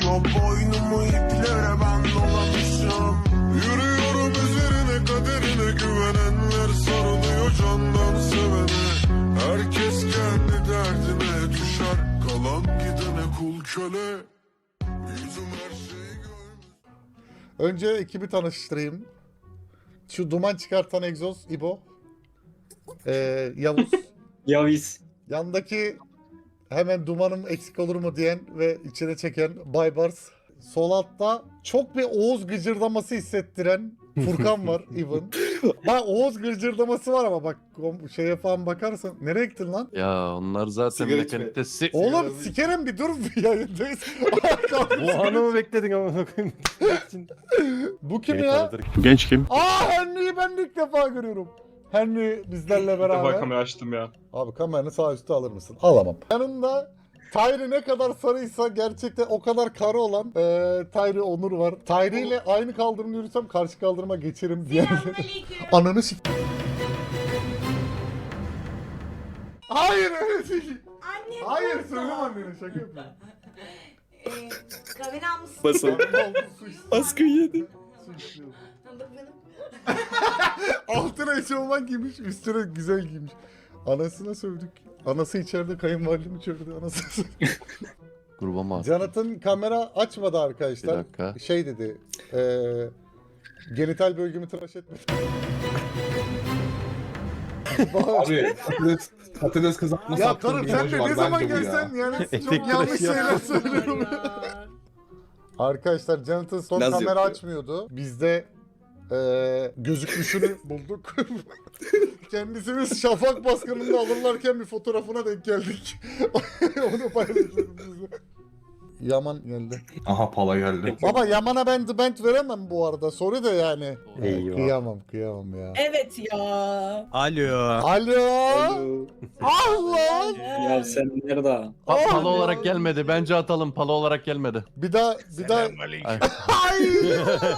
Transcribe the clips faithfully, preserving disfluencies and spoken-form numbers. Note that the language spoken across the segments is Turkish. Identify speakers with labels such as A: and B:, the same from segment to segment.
A: O boynumu iplere ben dolamışım. Yürüyorum üzerine kaderine güvenenler sarılıyor candan sevene. Herkes kendi derdine düşer kalan gidene kul köle. Yüzüm her şeyi görmüş.
B: Önce ekibi tanıştırayım. Şu duman çıkartan egzoz İbo. Ee, Yavuz.
C: Yavis.
B: Yandaki hemen dumanım eksik olur mu diyen ve içine çeken Baybars. Sol altta çok bir Oğuz gıcırdaması hissettiren Furkan var even. Bak Oğuz gıcırdaması var ama bak şeye falan bakarsan. Nereye gittin lan?
D: Ya onlar zaten
E: Sigara
D: mekanikte si
B: Oğlum sikerim bir dur bir yayındayız.
F: Bu hanımı bekledin ama koyayım.
B: Bu kim ya?
D: Genç kim?
B: Aa Henry'yi ben de ilk defa görüyorum. Henry bizlerle
G: Bir defa
B: beraber.
G: kamera açtım ya.
B: Abi kameranı sağ üstü alır mısın? Alamam. Yanında Tayri ne kadar sarıysa gerçekten o kadar karı olan eee Tayri Onur var. Tayri ile aynı kaldırımda yürüsem karşı kaldırıma geçerim diğerleri. Ananı sik... Hayır öyle değil.
H: Annem
B: Hayır
H: burada.
B: söyleme annene şaka yapıyorum.
H: Ee, kahveni almışsın.
C: Basın.
B: Oldu, su iç-
C: Baskı yedi.
B: su içiyorum.
H: Bak benim.
B: Altına eşofman giymiş, üstüne güzel giymiş. Anasına sövdük. Anası içeride, kayınvalidem içeride, anası.
D: Gruba mı attın?
B: Jonathan kamera açmadı
D: Bir
B: arkadaşlar.
D: dakika.
B: Şey dedi, eee genital bölgemi tıraş etme.
E: Abi patates, patates kızartması
B: Ya
E: attığım
B: karım
E: bir
B: sen
E: emoji
B: de
E: var
B: ne zaman
E: bence bu ya.
B: gelsen yani çok
F: Etek
B: yanlış
F: tıraşı
B: şeyler
F: yapma.
B: söylüyorum. Arkadaşlar Jonathan son
C: Naz
B: kamera
C: yapıyor.
B: açmıyordu. Biz de eee gözükmüşünü bulduk. Kendisimiz Şafak baskınında alırlarken bir fotoğrafına denk geldik. Onu paylaşıyorum size. Yaman geldi.
E: Aha pala geldi.
B: Baba Yaman'a ben The Band veremem bu arada. Sorry de yani.
F: Eyvah.
B: Kıyamam kıyamam ya.
H: Evet ya.
F: Alo.
B: Alo.
C: Alo.
B: Allah.
C: Ya sen nerede?
D: Pa palo olarak gelmedi. Bence atalım. Palo olarak gelmedi.
B: Bir daha bir daha.
D: Ay.
B: Ay.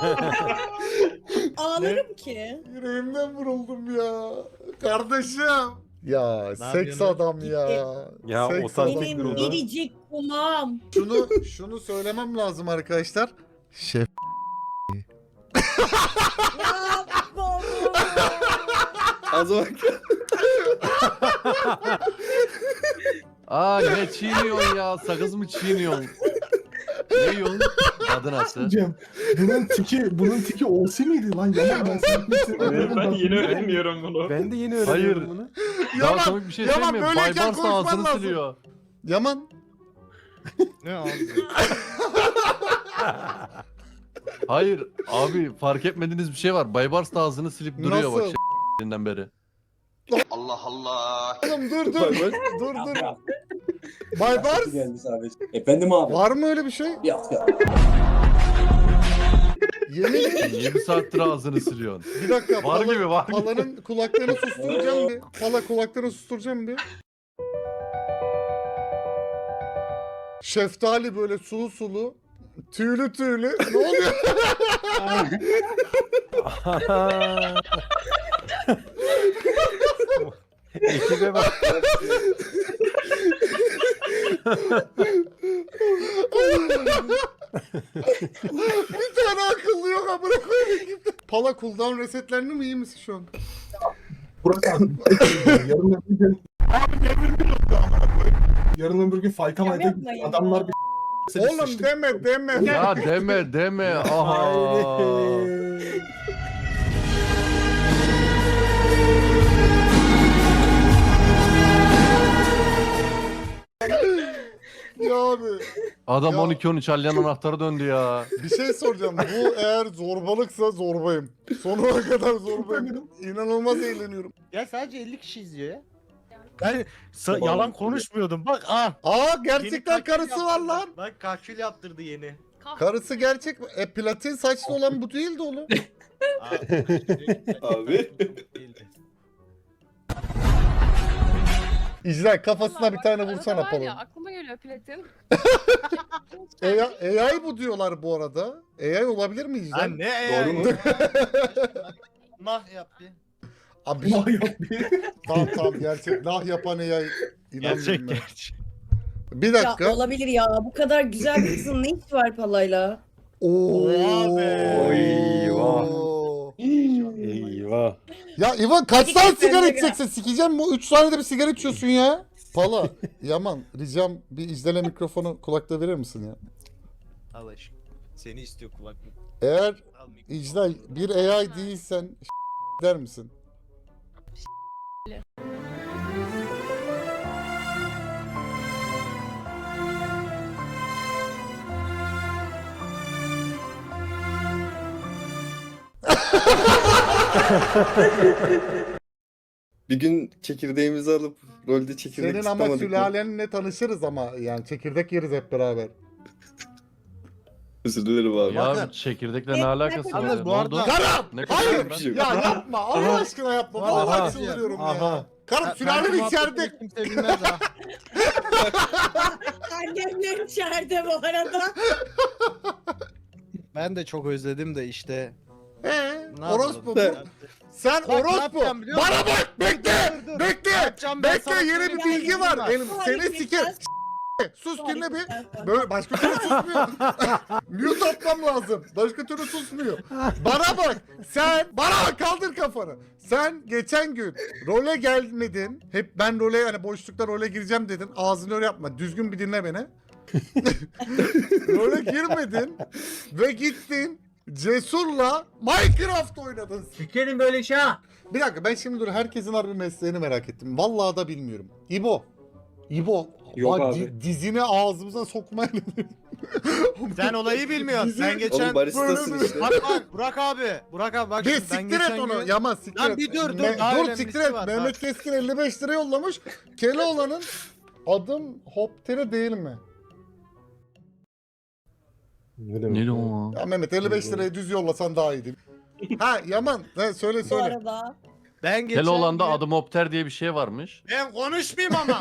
H: Ağlarım ki.
B: Yüreğimden vuruldum ya. Kardeşim. Ya seks
F: yapıyorsun?
B: adam ya.
F: Ya
B: Seks
F: o tarz
B: adam
H: Benim
B: ya.
H: biricik kumam.
B: Şunu şunu söylemem lazım arkadaşlar. Şef.
H: Ya baba.
C: Az bak.
D: Aa ne çiğniyorsun ya? Sakız mı çiğniyorsun? Ne yiyorsun? Adı nasıl?
E: Cem, bunun tiki, bunun tiki olsi miydi lan? Yaman ben sana bir şey
G: Evet, ben yeni öğreniyorum bunu.
F: Ben de yeni öğreniyorum
D: Hayır.
F: bunu.
D: Daha
B: Yaman,
D: komik bir şey
B: Yaman,
D: söyleyeyim mi?
B: böyleyken
D: Baybars da
B: konuşman
D: ağzını
B: lazım.
D: siliyor.
B: Yaman.
F: Ne abi?
D: Hayır abi fark etmediğiniz bir şey var. Baybars da ağzını silip duruyor bak
B: Nasıl?
D: şey***inden beri.
A: Allah Allah.
B: Oğlum dur dur.
C: Bak, bak.
B: dur dur. Baybars.
C: Geldi sadece. Efendim abi.
B: Var mı öyle bir şey?
C: Yok yok.
B: Yemin
D: yedi saattir ağzını siliyorsun.
B: Bir dakika.
D: Var
B: pala-
D: gibi, var gibi.
B: Palanın kulaklarını susturacağım bir. Pala kulaklarını susturacağım bir. Şeftali böyle sulu sulu. Tüylü tüylü. Ne oluyor?
F: Ekibe bak.
B: Bir tane akıllı yok amına koyayım gitti. Pala cooldown resetlerini mi iyi misin şu an?
E: Burak abi. Yarın öbür gün. Yarın öbür gün fayta
H: Ya
E: mayta
H: yapmayın
E: adamlar
H: ya.
E: bir
B: Oğlum
E: sıçtık.
B: deme deme.
D: Ya deme deme. Aha.
B: Ya abi
D: Adam
B: Ya.
D: on iki on üç alyan anahtarı döndü ya.
B: bir şey soracağım. Bu eğer zorbalıksa zorbayım. Sonuna kadar zorbayım. İnanılmaz eğleniyorum.
I: Ya sadece elli kişi izliyor ya. Ben sa- yalan konuşmuyordum. Bak ah.
B: Aa gerçekten
I: Yeni kakül
B: karısı var
I: yaptırdı.
B: lan.
I: Bak kakül yaptırdı yeni.
B: Karısı gerçek mi? E platin saçlı olan bu değildi oğlum.
C: Abi.
B: İcra kafasına bir tane vursana
J: Arada var
B: Polo.
J: ya, aklıma geliyor platin.
B: A I, A I bu diyorlar bu arada. A I olabilir mi İcra?
I: Lan ne
E: Doğru mu?
I: Nah yap bir.
B: Abi
E: Nah yap bir.
B: tamam tamam gerçek. Nah yapan A I. İnanmıyorum
I: Gerçek
B: ben.
I: gerçek.
B: Bir
H: Ya
B: dakika.
H: olabilir ya. Bu kadar güzel bir kızın ne işi var palayla?
B: Oo.
I: Abi.
F: Eyvah. Eyvah.
B: Ya İvan kaç
H: Hadi
B: tane
H: git sen
B: sigara
H: de
B: içeceksin? Sikeceğim bu. üç saniyede bir sigara içiyorsun ya. Pala. Yaman ricam bir İclal'e mikrofonu kulakta verir misin ya?
I: Al aşkım. Seni istiyor kulaklık.
B: Eğer
I: Al mikrofonu.
B: İclal bir A I değilsen der misin?
J: Bir gün çekirdeğimizi alıp rolde çekirdek
B: Senin ama
J: tutamadık mı?
B: sülalenle tanışırız ama yani çekirdek yeriz hep beraber.
J: Özür dilerim abi.
D: Ya
I: Bakın.
D: çekirdekle
H: Ne-
D: ne
H: ne
D: alakası var?
I: Yalnız
D: ya?
I: bu
D: Ne oldu?
I: arada-
B: Karım!
D: Ne
B: Hayır!
D: konuşuyorum
J: Bir
D: ben?
J: şey yok.
B: Ya yapma Allah aşkına yapma.
I: Aha.
B: Vallahi çıldırıyorum ya.
F: Aha.
B: Karım sülalen içeride.
I: Kimse bilmez ha.
H: Annemler içeride bu arada.
I: Ben de çok özledim de işte.
B: Ee,
I: Ne
B: orospu bu.
I: yapalım?
B: Sen
I: Bak, ne
B: orospu.
I: yapacağım biliyor
B: Bana
I: musun?
B: bak bekle.
I: Dur, dur.
B: Bekle.
I: Yapacağım ben sana
B: Bekle yeni bir
I: söyleyeyim.
B: bilgi var.
I: Bak.
B: Elim seni siker. Sus dinle bir. Böyle başka türlü susmuyor. Mute atmam lazım. Başka türlü susmuyor. Bana bak. Sen bana bak kaldır kafanı. Sen geçen gün role gelmedin. Hep ben role hani boşlukta role gireceğim dedin. Ağzını öyle yapma. Düzgün bir dinle beni. Role girmedin ve gittin Cesur'la Minecraft oynadın.
I: Sikerim böyle şey ha.
B: Bir dakika ben şimdi dur herkesin harbi mesleğini merak ettim. Vallahi da bilmiyorum. İbo. İbo.
C: Yok
B: bak,
C: abi.
B: di- dizini ağzımıza sokmayın.
I: Sen olayı bilmiyorsun.
B: Bizi-
I: Ben geçen...
J: Oğlum baristasın
B: böyle-
J: işte.
I: Bak bak Burak abi. Burak abi bak
B: bir
I: şimdi ben
B: siktir et
I: geçen
B: onu.
I: gün...
B: Yaman siktir
I: Lan
B: et.
I: bir dur, dur,
B: Me-
I: daha
B: dur
I: önemlisi
B: siktir et.
I: var,
B: Mehmet
I: bak.
B: Keskin elli beş lira yollamış. Keloğlan'ın adım Hopter'i değil mi?
E: Ne demek?
D: Ne
E: ya?
D: o?
B: Ya Mehmet elli beş lirayı düz yollasan daha iyiydi. Ha Yaman he, söyle
H: Bu
B: söyle.
H: arada.
I: Ben geçen
D: Keloğlan'da
I: gün-
D: adım Opter diye bir şey varmış.
I: Ben konuşmayayım ama.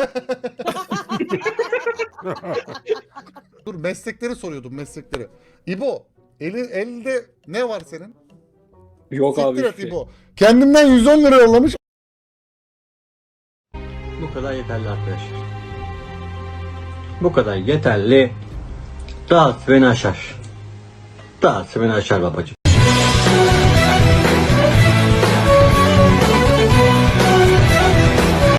B: Dur meslekleri soruyordum meslekleri. İbo eli, elde ne var senin?
C: Yok abi.
B: Siktir et
C: hiçbir şey.
B: İbo. Kendimden yüz on lira yollamış.
K: Bu kadar yeterli arkadaşlar. Bu kadar yeterli. Dağıt beni aşar. Dağıt beni aşar babacığım.